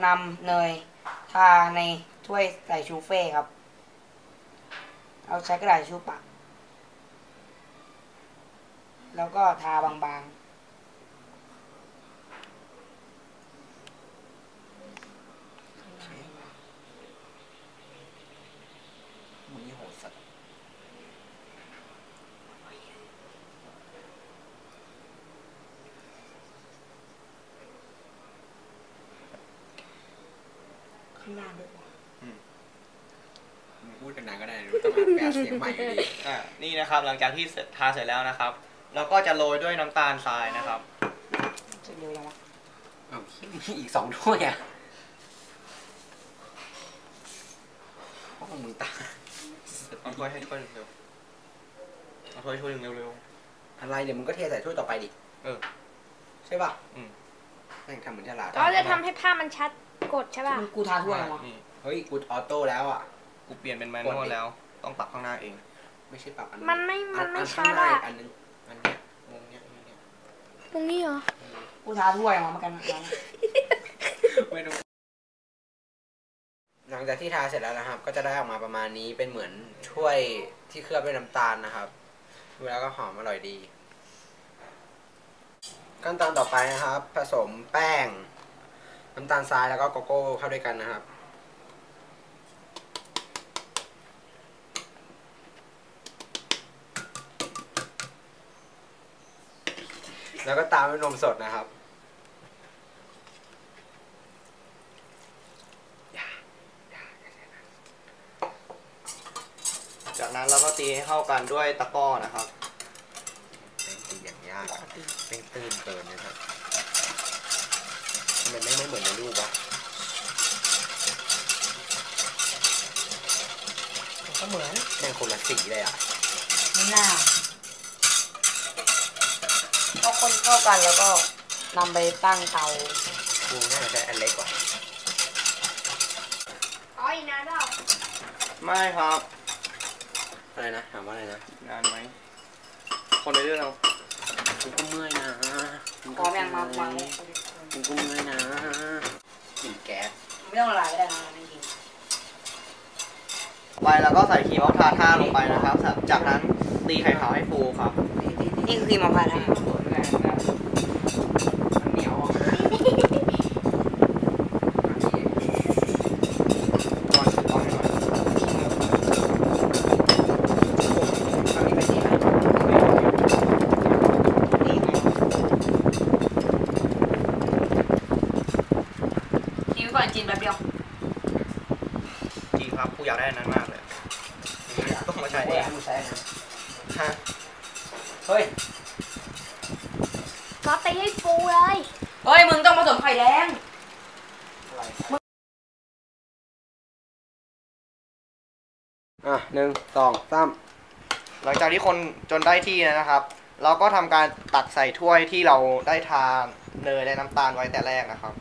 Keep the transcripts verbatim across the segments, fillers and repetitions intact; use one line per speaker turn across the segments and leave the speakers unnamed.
นำเนยทาในถ้วยใส่ชูเฟ่ครับเราใช้กระดาษทิชชู่ปักแล้วก็ทาบางๆ
มึงนี่โหดสัตว์
ข้างล่างด้วย
พูดกันนานก็ได้ต้องแปลเสียงใหม่อยู่ดีอ่านี่นะครับหลังจากที่ทาเสร็จแล้วนะครับเราก็จะโรยด้วยน้ำตาลทรายนะครับ
จะเร็วยังวะ
อ้าวมีอีกสองถ้วยอ่ะพวกมึงตาเอาถ้วยให้ถ้วยเร็วเอาถ้วยถ้วยเร็วเร็วอะไรเดี๋ยวมึงก็เทใส่ถ้วยต่อไปดิเออใช่ป่ะอืมแม่งทำเหมือนฉลาด
ก็จะทำให้ภาพมันชัดกดใช่ป่ะ
กูทาถ้วยยังวะ
เฮ้ยกูออโต้แล้วอ่ะกูเปลี่ยนเป็นแมนนวลแล้วต้องปรับข้างหน้าเองไม่ใช่ปรับอัน
มันไม่มันไม่ชัด
อ่ะ
อ่ะ
อันนึงอันนี้มุมเนี้ยนี้
ตรงนี้เหรอ
กูทาถ้วยยังวะมากัน
ไม่รู้หลังจากที่ทาเสร็จแล้วนะครับก็จะได้ออกมาประมาณนี้เป็นเหมือนถ้วยที่เคลือบด้วยน้ำตาลนะครับดูแล้วก็หอมอร่อยดีขั้นตอนต่อไปนะครับผสมแป้งน้ำตาลทรายแล้วก็โกโก้เข้าด้วยกันนะครับแล้วก็ตามด้วยนมสดนะครับจากนั้นเราก็ตีให้เข้ากันด้วยตะกร้อนะครับเป็นตีอย่างยากเป็นตื้นเกินนะครับมันไม่ไม่เหมือนในรูปวะ
ก็เหมือน
แม่งคนละสีเลยอ่ะ
ไม่น่าพอคนเข้ากันแล้วก็นำไปตั้งเตา
กูน่าจะใช้อันเล็กกว่า
อ๋ออีกนานเปล่า
ไม่ครับอะไรนะถามว่าอะไรนะนานไหมคนในเรื่องเรามึงก็เมื่อยนะ
มึงก็แม่งมาฟัง
มึงก็เมื่อยนะกลิ่นแก๊ส
ไม่ต้องละลายก็ได้นะจริง
ไปแล้วก็ใส่ครีมมะพร้าวท่าลงไปนะครับจากนั้นตีไข่ขาวให้ฟูครับ
นี่คือครีมมะพร้าวท่า
เหนียว
ก่อนจีนแบบเดียว
จริงครับกูอยากได้นั้นมากเลยต้องมาใช้เองฮะเฮ้ย
ก็ตีให้ฟูเลย
เฮ้ยมึงต้องผสมไข่แดง
อ่ะหนึ่งสองสามหลังจากที่คนจนได้ที่นะครับ เราก็ทำการตักใส่ถ้วยที่เราได้ทาเนยและน้ำตาลไว้แต่แรกนะครับ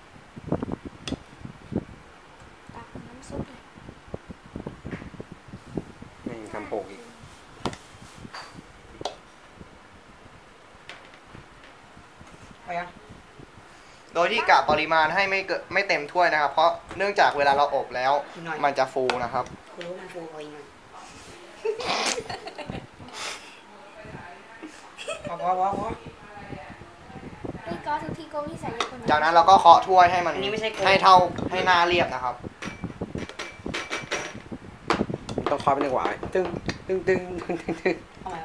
ไม่ทำโปกอีกโดยที่กะปริมาณให้ไม่เกิดไม่เต็มถ้วยนะครับเพราะเนื่องจากเวลาเราอบแล้วมันจะฟูนะครับ
คุณรู้มันฟูพอยังไงพอพอพอพอ
นี่ก็ทุกทีก็วิสัยคน
จากนั้นเราก็เคาะถ้วยให้มันให้เท่าให้หน้าเรียบนะครับต้องเคาะเป็นจังหวะตึ้งตึ้งตึ้งตึ้งตึ้งตึ้ง
ทำไม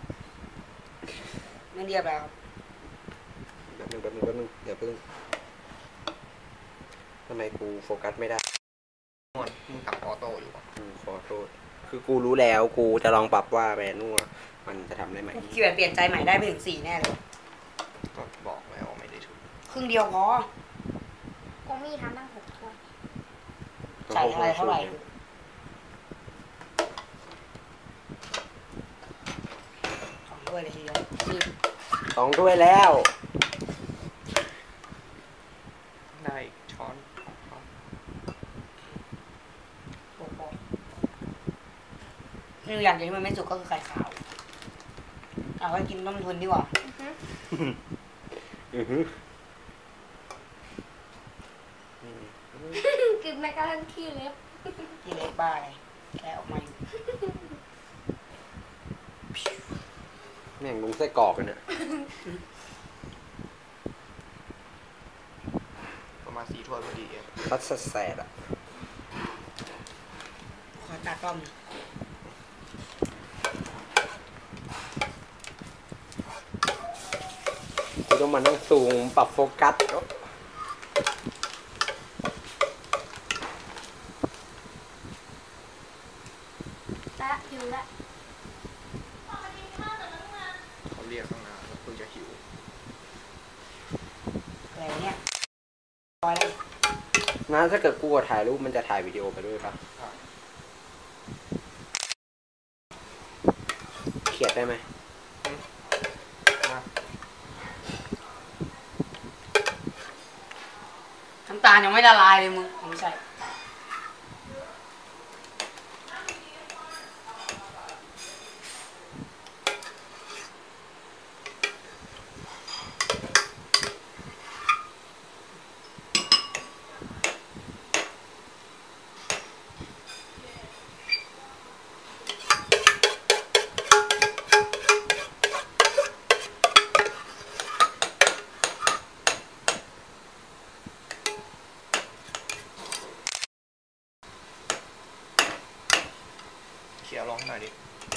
ไม่เรียบแล้ว
แป๊บนึงแป๊บนึงแป๊บนึงเดี๋ยวเพิ่งทำไมกูโฟกัสไม่ได้มึงตับออโต้อยู่กูขอโทษคือกูรู้แล้วกูจะลองปรับว่าแมนนวลมันจะทำได้ไหม
คิดแบบเปลี่ยนใจใหม่ได้ไปถึงสี่แน่เลย
ก็บอกแล้วไม่ได้ถูก
ครึ่งเดียวพอ
ก็มีทำตั้งหกถ้วย
ใส่อะไรเท่าไหร่สองถ้วยเลยทีเดียว
สองถ้วยแล้วได้ช้อน
นี่อย่างเดียวที่มันไม่สุกก็คือไข่ขาวเอาไว้กินต้มทุนดีกว่า
อือฮึ
กึบแม้กระทั่งขี้เล็บ
ที่เล็กบ้าเลยแค่ออกมาอยู่
แม่งลุงไส้กรอกกันเนี่ย
ประมาณสี่ถ้วยพอดีเอง
ทัดแสดอ่ะ
ขอตากล้อง
กูต้องมานั่งซูมปรับโฟกัส
ละหิวละ
เขาเรียกตั้งนานแล้วเพิ่งจะหิว
อะไรเนี่ยร้อยเลย
นะถ้าเกิดกูถ่ายรูปมันจะถ่ายวิดีโอไปด้วยปะเขียนได้ไหม
มา
น้ำตาลยังไม่ละลายเลยมึงไม่ใช่
เขี่ยลองให้หน่อยดิ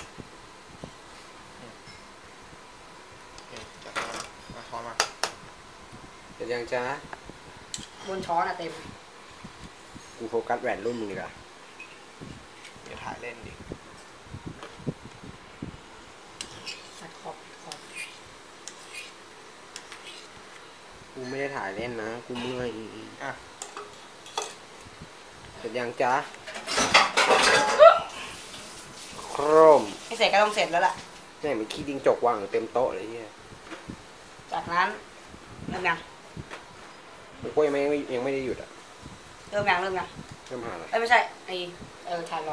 อืมโอเคจัดมามาช้อนมา
เดี๋ยวยังจ้า
บนช้อนอะเต็ม
กูโฟกัสแหวนรุ่นมึงดีกว่า
เดี๋ยวถ่ายเล่นดิ
ตัดขอบขอบ
กูไม่ได้ถ่ายเล่นนะกูเมื่อย
อ่ะ
เสร็จยังจ้าโครม
ไม่เสร็จก็ต้องเสร็จแล้วล่ะ
แม่งมีขี้ดิงจกวางอยู่เต็มโต๊ะเลยเฮีย
จากนั้นเริ่มยัง
กูยังไม่ยังไม่ได้หยุดอ่ะ
เริ่มยังเริ่มยัง
เริ่มหาแล้ว
เอ้ยไม่ใช่ไอเออถ่ายรอ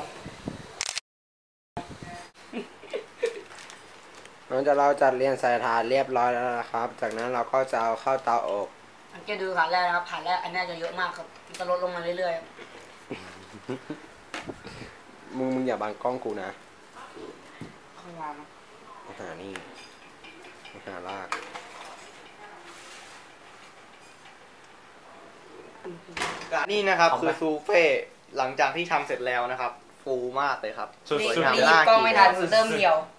หลังจากเราจัดเรียงใส่ถาดเรียบร้อยแล้วนะครับ จากนั้นเราก็จะเอาเข้าเตาอบ
สังเกตดูผ่านแรกนะครับผ่านแรกอันนี้จะเยอะมากครับมันจะลดลงมาเรื่อย
มึงมึงอย่าบังกล้องกูนะ
ๆข้างล่างนะ
มาหานี่มาหาลาก
นี่นะครับคือซูเฟ่หลังจากที่ทำเสร็จแล้วนะครับ ฟูมากเลยครับ
นี่
สวยงาม
นี่
น่า
กล้อง
กิน
ไม่ทันเริ่มเหี่ยว